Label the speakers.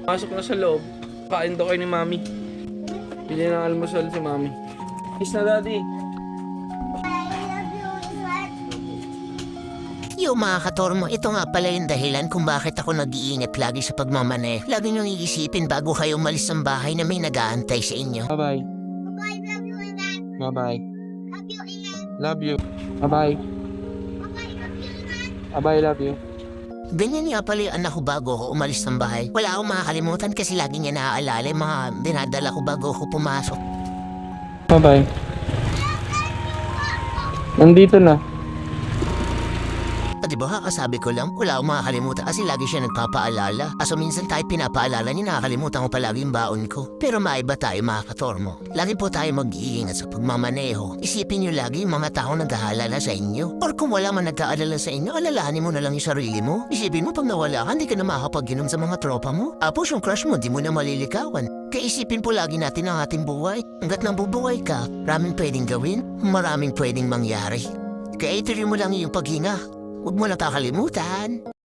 Speaker 1: Pasok na sa loob. Kain daw kayo ni Mami. Bili ng almusal si Mami. Kiss na, Daddy.
Speaker 2: Yung mga katormo, ito nga pala yung dahilan kung bakit ako nag-iingat lagi sa pagmamane. Lagi niyong iisipin bago kayo umalis ng bahay na may nag-aantay sa inyo.
Speaker 1: Bye-bye.
Speaker 3: Bye, love you, Ilan.
Speaker 1: Bye-bye.
Speaker 3: Love you, Ilan.
Speaker 1: Love you. Bye-bye.
Speaker 3: Bye, love you, Ilan.
Speaker 1: Bye-bye, love you.
Speaker 2: Ganyan nga pala yung anak ko bago ako umalis ng bahay. Wala akong makakalimutan kasi lagi niya naaalala yung mga dinadala ko bago ako pumasok.
Speaker 1: Bye-bye. Nandito na.
Speaker 2: At diba kakasabi ko lang, wala akong makakalimutan kasi lagi siya nagpapaalala. Aso minsan tayo pinapaalala niya, nakakalimutan ko palagi yung baon ko. Pero maiba tayo mga katormo. Lagi po tayo mag-iingat sa pagmamaneho. Isipin niyo lagi yung mga taong nag-aalala sa inyo. Or kung wala man nag-aalala sa inyo, alalahanin mo na lang yung sarili mo. Isipin mo pag nawala ka, hindi ka na makakapag-inom sa mga tropa mo. Tapos yung crush mo, di mo na malilikawan. Kaya isipin po lagi natin ang ating buhay. Hanggat nabubuhay ka, maraming pwedeng gawin, maraming pwedeng mangyari. Kaya ituloy mo lang yung paghinga. Huwag mo na kakalimutan.